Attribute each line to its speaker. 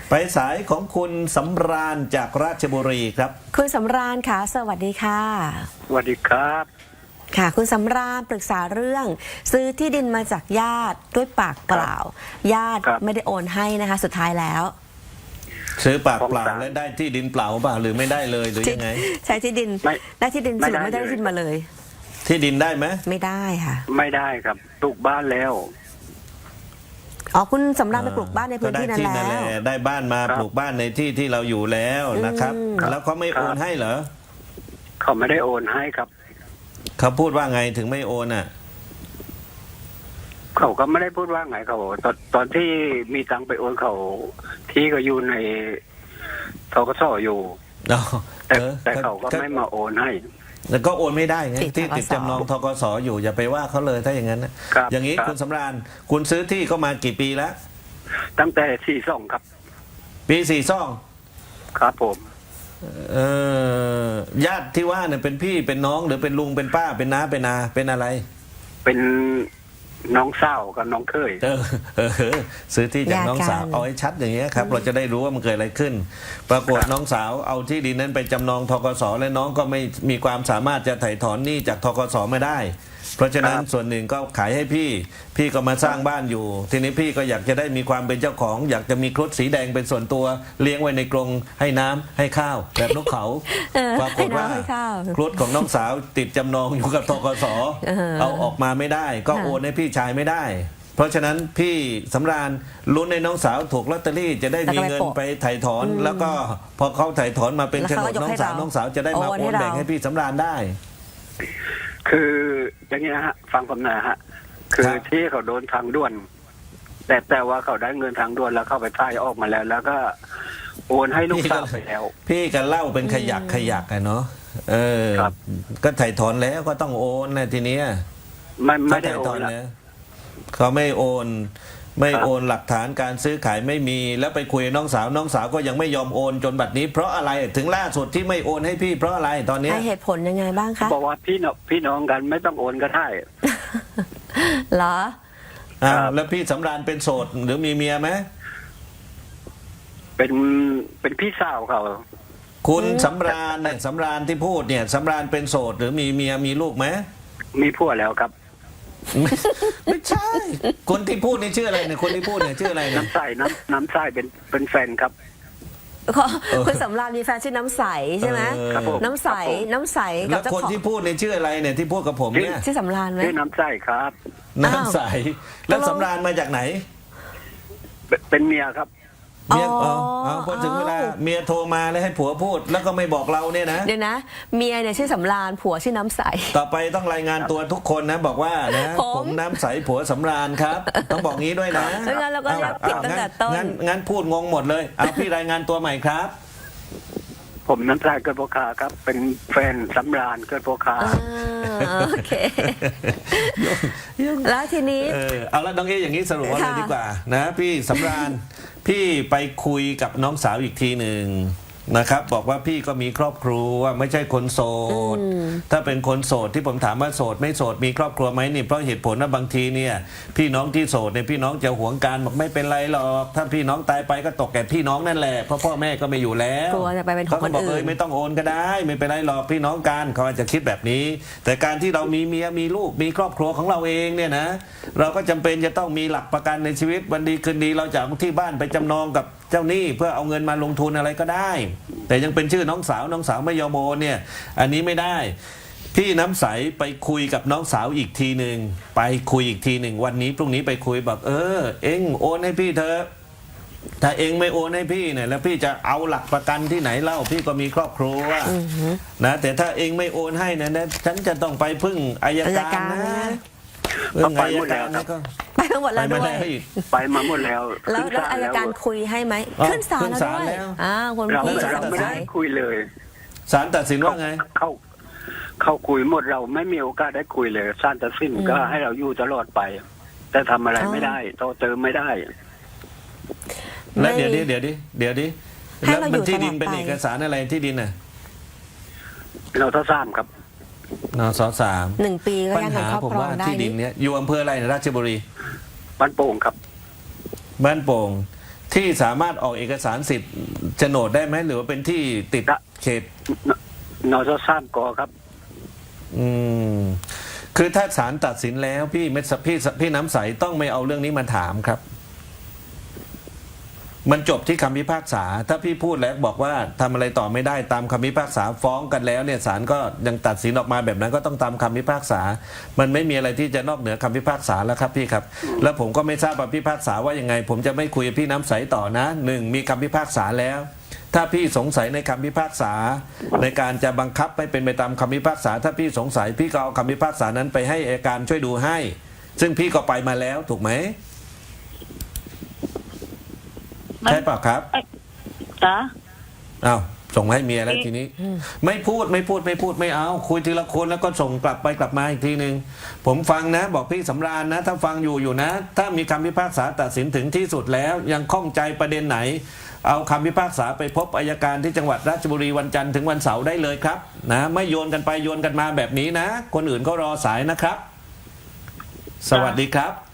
Speaker 1: ไปสายของคุณสำราญจากราชบุรีครับ
Speaker 2: คุณสำราญค่ะสวัสดีค่ะ
Speaker 3: สวัสดีครับ
Speaker 2: ค่ะคุณสำราญปรึกษาเรื่องซื้อที่ดินมาจากญาติด้วยปากเปล่าญาติไม่ได้โอนให้นะคะสุดท้ายแล้ว
Speaker 1: ซื้อปากเปล่าและได้ที่ดินเปล่าเปล่าหรือไม่ได้เลยหรือยังไง
Speaker 2: ใช้ที่ดินได้ที่ดินสรุปไม่ได้ที่ดินมาเลย
Speaker 1: ที่ดินได้ไหม
Speaker 2: ไม่ได้ค่ะ
Speaker 3: ไม่ได้ครับปลูกบ้านแล้ว
Speaker 2: อ๋อคุณสำราญไปปลูกบ้านในพื้นที่นั้นแล้ว
Speaker 1: ได้บ้านมาปลูกบ้านในที่ที่เราอยู่แล้วนะครับแล้วเขาไม่โอนให้เหรอ
Speaker 3: เขาไม่ได้โอนให้ครับ
Speaker 1: เขาพูดว่าไงถึงไม่โอนอ่ะ
Speaker 3: เขาก็ไม่ได้พูดว่าไงเขาตอนที่มีตังไปโอนเขาที่ก็อยู่ในธกสอยู่แต่เขาก็ไม่มาโอนให้
Speaker 1: แล้วก็โอนไม่ได้ไงที่ติดจำนองธกสอยู่อย่าไปว่าเขาเลยถ้าอย่างนั้นนะอย่างนี้คุณสำราญคุณซื้อที่ก็มากี่ปีแล้ว
Speaker 3: ตั้งแต่42ครับ
Speaker 1: ปี42
Speaker 3: ครับผม
Speaker 1: ญาติที่ว่าเนี่ยเป็นพี่เป็นน้องหรือเป็นลุงเป็นป้าเป็นน้าเป็นอาเป็นอะไร
Speaker 3: เป็นน้องสาวกับน้องเคย
Speaker 1: ซื้อที่จากน้องสาวเอาให้ชัดอย่างเงี้ยครับเราจะได้รู้ว่ามันเกิดอะไรขึ้นปรากฏน้องสาวเอาที่ดินนั้นไปจำนองธกสและน้องก็ไม่มีความสามารถจะไถ่ถอนหนี้จากธกสไม่ได้เพราะฉะนั้นส่วนหนึ่งก็ขายให้พี่ก็มาสร้างบ้านอยู่ทีนี้พี่ก็อยากจะได้มีความเป็นเจ้าของอยากจะมีครุฑสีแดงเป็นส่วนตัวเลี้ยงไว้ในกรงให้น้ำให้ข้าวแบบนกเขาปรากฏว่าครุฑของน้องสาวติดจำนองอยู่กับธกสเอาออกมาไม่ได้ก็โอนให้พี่ชายไม่ได้เพราะฉะนั้นพี่สำราญลุ้นในน้องสาวถูกลอตเตอรี่จะได้มีเงินไปไถ่ถอนแล้วก็พอเขาไถ่ถอนมาเป็นโฉนดน้องสาวจะได้มาโอนแบ่งให้พี่สำราญได้
Speaker 3: คืออย่างนี้นะฮะฟังผมหน่อยฮะคือที่เขาโดนทางด่วนแต่ว่าเขาได้เงินทางด่วนแล้วเข้าไปพ่ายออกมาแล้วก็โอนให้ลูกสาวไปแล้ว
Speaker 1: พี่กันเล่าเป็นขยักอะเนาะก็ไถ่ถอนแล้วก็ต้องโอนนะทีเนี้ย
Speaker 3: ไม่ได้โอนแล้ว
Speaker 1: เขาไม่โอนหลักฐานการซื้อขายไม่มีแล้วไปคุยน้องสาวก็ยังไม่ยอมโอนจนบัดนี้เพราะอะไรถึงล่าสุดที่ไม่โอนให้พี่เพราะอะไรตอนนี้
Speaker 2: เหตุผลยังไงบ้างคะ
Speaker 3: บอกว่าพี่น้องกันไม่ต้องโอนก็ได้
Speaker 2: เหรอ
Speaker 1: แล้วพี่สำราญเป็นโสดหรือมีเมียไหม
Speaker 3: เป็นพี่สาวเขา
Speaker 1: คุณสำราญเนี่ยสำราญที่พูดเนี่ยสำราญเป็นโสดหรือมีเมียมีลูกไหม
Speaker 3: มีผัวแล้วครับ
Speaker 1: ไม่ใช่คนที่พูดนี่ชื่ออะไรเนี่ยคนที่พูดเนี่ยชื่ออะไร
Speaker 3: น้ำใสน้ำใสเป็นแฟนครับ
Speaker 2: คุณสำราญมีแฟนชื่อน้ำใสใช่ไหมน้ำใส
Speaker 1: กับคนที่พูดเนี่ยชื่ออะไรเนี่ยที่พูดกับผมเนี่ย
Speaker 2: ชื่อสำราญไหม
Speaker 3: ชื่อน้ำใสครับ
Speaker 1: น้ำใสแล้วสำราญมาจากไหน
Speaker 3: เป็นเมียครับ
Speaker 1: เมียพอถึงเวลาเมียโทรมาแล้วให้ผัวพูดแล้วก็ไม่บอกเราเนี่ยนะ
Speaker 2: เดี๋ยวนะเมียเนี่ยชื่อสำราญผัวชื่อน้ำใส
Speaker 1: ต่อไปต้องรายงานตัวทุกคนนะบอกว่านะผมน้ำใสผัวสำราญครับต้องบอกงี้ด้วยนะ
Speaker 2: งั้นเราก็เรียกผิดตั้งแต่ต้น
Speaker 1: งั้นพูดงงหมดเลยเอาพี่รายงานตัวใหม่ครับ
Speaker 3: ผมน้ำใสเกิดโพคาครับเป็นแฟนสำราญเกิดโพคา
Speaker 2: โอเคแล้วทีนี้
Speaker 1: เอาละน้องเออย่างนี้สรุปว่าเลยดีกว่านะพี่สำราญพี่ไปคุยกับน้องสาวอีกทีหนึ่งนะครับบอกว่าพี่ก็มีครอบครัวไม่ใช่คนโสดถ้าเป็นคนโสดที่ผมถามว่าโสดไม่โสดมีครอบครัวไหมนี่เพราะเหตุผลว่าบางทีเนี่ยพี่น้องที่โสดเนี่ยพี่น้องจะหวงกันบอกไม่เป็นไรหรอกถ้าพี่น้องตายไปก็ตกแก่พี่น้องนั่นแหละเพราะพ่อแม่ก็ไม่อยู่แล้ว
Speaker 2: กลัวจะไปเป็นของคนอื่น
Speaker 1: ไม่ต้องโอนก็ได้ไม่เป็นไรหรอกพี่น้องกันเขาอาจจะคิดแบบนี้แต่การที่เรามีเมียมีลูกมีครอบครัวของเราเองเนี่ยนะเราก็จำเป็นจะต้องมีหลักประกันในชีวิตวันดีคืนดีเราจะเอาที่บ้านไปจำนองกับเจ้าหนี้เพื่อเอาเงินมาลงทุนอะไรก็ได้แต่ยังเป็นชื่อน้องสาวไม่ยอมโอนเนี่ยอันนี้ไม่ได้พี่น้ำใสไปคุยกับน้องสาวอีกทีหนึ่งไปคุยอีกทีหนึ่งวันนี้พรุ่งนี้ไปคุยบอกเอ็งโอนให้พี่เถอะถ้าเอ็งไม่โอนให้พี่เนี่ยแล้วพี่จะเอาหลักประกันที่ไหนเล่าพี่ก็มีครอบครัวนะแต่ถ้าเอ็งไม่โอนให้นะฉันจะต้องไปพึ่งอัยการนะ
Speaker 3: ไปหมดแล้ว
Speaker 2: ไปหมดแล้วด้วย
Speaker 3: ไปมาหมดแล้ว
Speaker 2: แล้วอัยการคุยให้ไหมขึ้นศาลแล้วด้วยคนพี่
Speaker 3: เราไม่ได้คุยเลย
Speaker 1: ศาลตัดสินว่าไง
Speaker 3: เขาคุยหมดเราไม่มีโอกาสได้คุยเลยศาลตัดสินก็ให้เราอยู่ตลอดไปแต่ทำอะไรไม่ได้ต่อเติมไม่ได้
Speaker 1: แล้วเดี๋ยวดิแล้วมันที่ดินเป็นเอกสารอะไรที่ดินน่ะ
Speaker 3: เราทราบครับ
Speaker 1: นส.3
Speaker 2: 1 ปีก็ยังครอบครองได้
Speaker 1: ที่ดินเนี้ยอยู่อำเภออะไรราชบุรี
Speaker 3: บ้านโป่งครับ
Speaker 1: บ้านโป่งที่พี่สามารถออกเอกสารสิทธิ์โฉนดได้ไหมหรือว่าเป็นที่ติดเขต
Speaker 3: นสสามกครับ
Speaker 1: อืมคือถ้าศาลตัดสินแล้วพี่น้ำใสต้องไม่เอาเรื่องนี้มาถามครับ มันจบที่คำพิพากษาถ้าพี่พูดแล้วบอกว่าทำอะไรต่อไม่ได้ตามคำพิพากษาฟ้องกันแล้วเนี่ยศาลก็ยังตัดสินออกมาแบบนั้นก็ต้องตามคำพิพากษา มันไม่มีอะไรที่จะนอกเหนือคำพิพากษาแล้วครับพี่ครับ แล้วผมก็ไม่ทราบว่าพิพากษาว่ายังไง ผมจะไม่คุยกับพี่น้ำใสต่อนะหนึ่งมีคำพิพากษาแล้ว ถ้าพี่สงสัยในคำพิพากษาในการจะบังคับให้เป็นไปตามคำพิพากษา ถ้าพี่สงสัยพี่ก็เอาคำพิพากษานั้นไปให้อัยการช่วยดูให้ ซึ่งพี่ก็ไปมาแล้วถูกไหมใช่เปล่าครับ
Speaker 4: จ้ะ
Speaker 1: อ้าวส่งมาให้เมียแล้วทีนี้ ไม่พูดไม่เอาคุยทีละคนแล้วก็ส่งกลับไปกลับมาอีกทีหนึ่งผมฟังนะบอกพี่สำราญนะ ถ้าฟังอยู่นะ ถ้ามีคำพิพากษาตัดสินถึงที่สุดแล้วยังข้องใจประเด็นไหน เอาคำพิพากษาไปพบอัยการที่จังหวัดราชบุรีวันจันทร์ถึงวันเสาร์ได้เลยครับนะไม่โยนกันไปโยนกันมาแบบนี้นะ คนอื่นก็รอสายนะครับ สวัสดีครับ